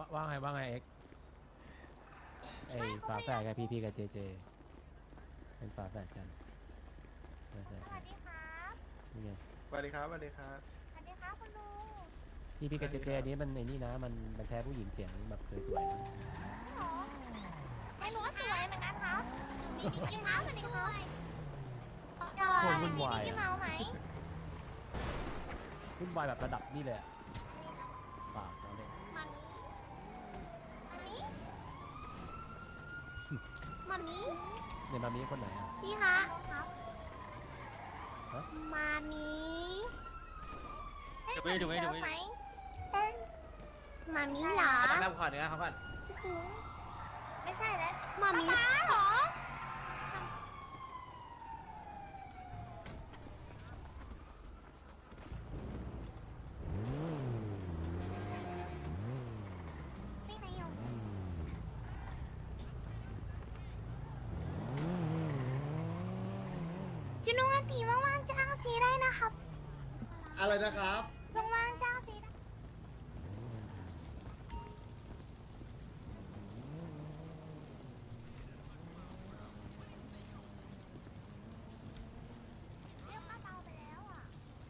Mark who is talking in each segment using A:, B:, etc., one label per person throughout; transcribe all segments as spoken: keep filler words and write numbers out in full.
A: ว่าว่าไงว่าไงเอ็กไอฝาแฝดกับพีพีกับเจเจเป็นฝาแฝดกันฝาแฝด
B: สวัสดีครับ
A: นี่ไง
C: สวัสดีครับสวัสดีครับ
B: สวัสดีครับคุณลุง
A: พีพีกับเจเจอันนี้มันในนี่นะมันมันแท้ผู้หญิงเสียงแบบสวยๆนะ
B: หรอไอ้หนูก็สวยเหมือนกันครับหนูมีมิกกี้เมาส์เหมือนกันครับจอยมีมิกกี้เมาส์ไหม
A: วุ่นวายแบบระดับนี่เลยอะเปล่าเราเล่น
B: มามีมามีมามี
A: เนี่ยมามีคนไหนอะ
B: พี่คะ
A: ฮะ
B: มามี
D: เดี๋ยวไปเดี๋ยวไปเดี๋ยวไป
B: ไหมมามีเหรอ
C: น้ำขอเนื้อเขาก่อน
B: ไม่ใช่แล้วมามีเหรอไม่ไหนอยู่จุนุงอันตีว่างๆจ้างซีได้นะครับ
C: อะไรนะครับ
B: ว่างๆจ้างซีได้เรียกป้าเปาไปแล้วอ่ะ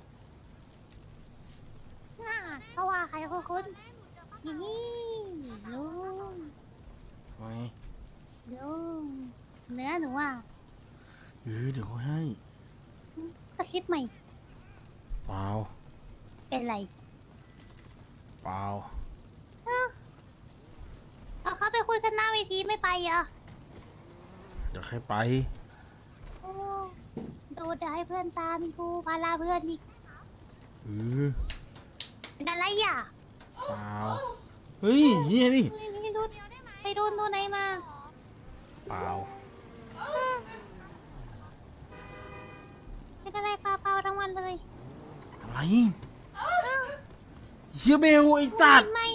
B: น่าก็ว่าใครคือคุณนี่ลุง
E: ไว้
B: ลุงเนื้อหนูอ่ะ
E: เออเดี๋ยวเขาให้
B: ก็คิดใหม่
E: เปล่า
B: เป็นไร
E: เปล่า
B: เอาเขาไปคุยกันหน้าเวทีไม่ไปเหรอ
E: เดี๋ยวใครไป
B: โอ้ดูเดี๋ยวให้เพื่อนตามมีกูพาลาเพื่อนอีก
E: เออ
B: เป็นอะไรอ่ะ
E: เปล่า เฮ้ยเฮียนี่
B: นี่นี่ดูไปโดนตัวไหนมา
E: เปล่า
B: เป็นอะไรเปล่าๆทั้งวันเลย
E: อะไรเฮียเบลไอ้สัตว์
B: ทำไม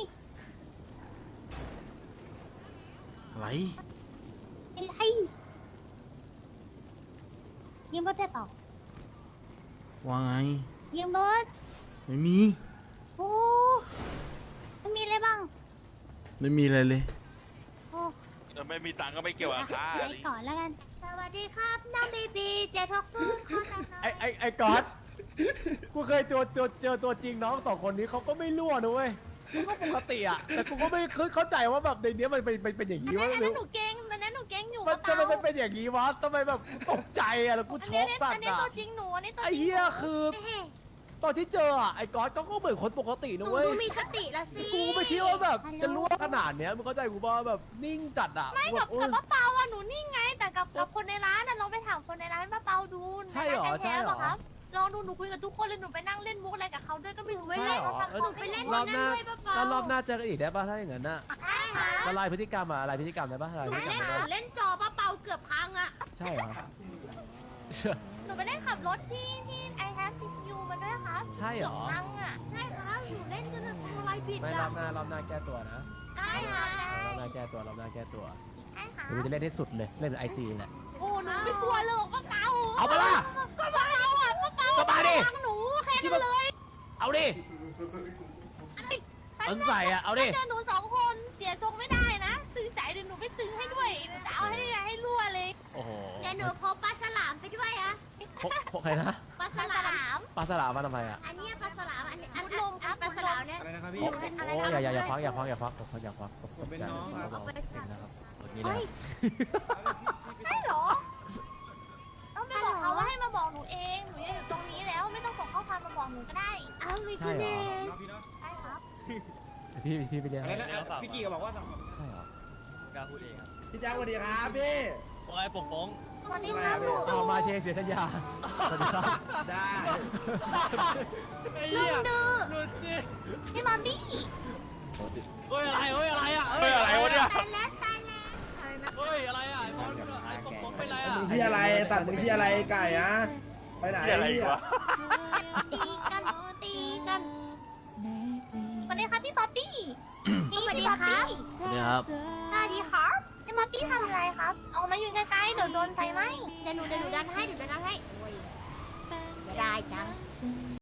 E: อะไร
B: เป็นไรยืมรถได้เปล่า
E: ว่าไง
B: ยืมรถ
E: ไม่มี
B: โอ้มันมีอะไรบ้าง
E: ไม่มีอะไรเลย
B: โอ้
D: ถ้าไม่มีตังค์ก็ไม่เกี่ยวกับค่า
B: ไปก่อนแล้วกัน สวัสดีครับน้องบีบีเจท็อกซูนขอดังนะ
A: ไอไอไอก๊อตกูเคยเจอเจอเจอตัวจริงน้องสองคนนี้เขาก็ไม่รั่วนะเว้ยกูก็ปกติอะแต่กูก็ไม่เข้าใจว่าแบบในเนี้ยมันเป็นเป็นเป็นอย่างนี้วะ
B: อัน
A: หรื
B: นั้
A: อน
B: หนูเก่งอันนั้นหนูเก่งอยู่
A: มัน
B: กระ
A: ทำไม
B: เป๋า
A: มันเป็นอย่างนี้วะทำไมแบบกูตกใจอะแล้วกูช็อกสัต
B: อัน
A: ว์
B: นี้
A: อะ
B: ตัวจริงหนูอันนี้ตัวจ
A: ไอ
B: ริง
A: เหี้ยคือ
B: เฮ้ย
A: ตอนที่เจออะไอก๊อตก็ก็เหมือนคนปกติ
B: หนู
A: นะเว้ย
B: ดูมีสติละสิ
A: กูไม่คิดว่าแบบจะรั่วขนาดเนี้ยมึงเข้าใจกูป่ะแบบนิ่งจัดอะ
B: ไม่
A: แบ
B: กับบ
A: โอ๊ย
B: กับป้าเปาอะหนูนี่ไง แต่กับกับคนในร้านน่ะลองไปถามคนในร้านป้าเปาดู
A: ใช่เหรอ
B: ในาน
A: ใช่เหรอ
B: แท้ๆปะครับลองดูหนูคุยกับทุกคนเลยหนูไปนั่งเล่นมุกอะไรกับเขาด้วยก็ไม่รู้
A: ใช่เหรอ
B: หนูไปเล่น
A: รอบหน้า
B: ด้วยป้าเปา
A: แล้วรอบหน้าเจอกันอีกได้ป่ะถ้าอย่างนั้นน่ะ
B: ได้ค่ะ
A: ละลายพฤติกรรมอะอะไรพฤติกรรมได้ป่ะละลาย
B: ห
A: พ
B: นู
A: ฤติกรร
B: เล่
A: ม
B: น
A: ได้
B: หนู
A: ป่ะ
B: เล่นจอป้าเปาเกือบพังอะ
A: ใช่เหรอ
B: หนูไปเล่นขับรถที่ที่ไอแฮปปี้ยูมาด้วยครับ
A: ใช่เหรอ
B: กือบพังอะใช่ครับหนูเล่นจนแบบทำลายบิด
A: ไม่รอ
B: อะ
A: บหน้ารอบหน้าแก้ตัวนะ
B: ได้ค่ะ
A: รอบหน้าแก้ตัวรอบหน้าแก้ตัว
B: ได้ค่ะ
A: เดี๋ยวกูจะเล่นให้สุดเลยเล่นเป็นไอซีแหละ
B: โอ้หนูไม่กลัวเลยป้าเปา
A: เอาปะล่ะ
B: ก็ป้าเปาอะป้าเปา
A: ก็มาดิ
B: รักหนูแค่นั้นเลย
A: เอาดิอันใส่อะเอาดิ
B: ถ้าเจอหนูสองคนเสียทรงไม่ได้นะตึงใจเดี๋ยวหนูไม่ตึงให้ด้วยหนูจะเอาให้ให้รั่วเลย
A: โอ้โห
B: เดี๋ยวหนูพกปลาฉลามไปด้วยอะ
A: พกพกใครนะ
B: ปลาฉลาม
A: ปลาสลามมาทำไมอะ
B: อันนี้ปลาฉลามอันนี้อันลมปลาฉลามเนี่ย
C: อะไรนะครับพี่
A: โอ้โอ้อย่าอย่าอย่าควักอย่าควักอย่าควักผมอย่าควักผม
C: ผมเป็นน้องครับ
A: ผมเป็นนะครับแบบนี้เล
B: เฮ้
A: ย
B: ยใช่เหรอต้องไปบอกเขาว่าให้มาบอกหนูเองหนูจะอยู่ตรงนี้แล้วไม่ต้องส่งข้อความมาบอกหนูก็ได้เอาไม่
A: ใช่เหรอ
C: น้องพี่เนาะ
B: ได้ครับ
A: พี่พี่ไปเรียน
C: อะไร
A: ให้
C: นะพี่กีก็บอกว่าสองคน
A: ใช่เหรอก
D: ล้าพูดเองครับ
C: พี่แจ๊คสวัสดีครับพี่
D: ว่าไงปกป้อง
B: สวัสดีครับหนู
A: เอามาเชยร์เสียทัญญาสวัสดีครับ
C: ได้
D: ไอ้
B: ลุ
D: เหี้ย
B: งดื้อ
D: หลุดสิ
B: พี่มอมบี้
D: เฮ้ยอะไรเฮ้ยอะไรอ่ะ
F: เฮ้ยอะไรวะเนี่ย
B: ตายแล้วตายแล้วอะไรนะ
D: เฮ้ยอะไรอ่ะไอ้บอลไอ้ปกป้องเป็นไรอ่ะ
G: มึงที่อะไรตัดมึงที่อะไรไก่อะไปไหน
F: เหี้ยอะไรอีกวะ
B: ตีกันตีกันสวัสดีครับพี่ป๊อปปี้พี่สวัสดีครับ
E: สวัสดีครับ
B: สวัสดีครับพี่ป๊อปปี้ทำอะไรครับเอามายืนใกล้ๆเดี๋ยวโดนไฟไหม้เดี๋ยวหนูเดี๋ยวหนูดันให้เดี๋ยวดันให้โอ้ยจะได้จัง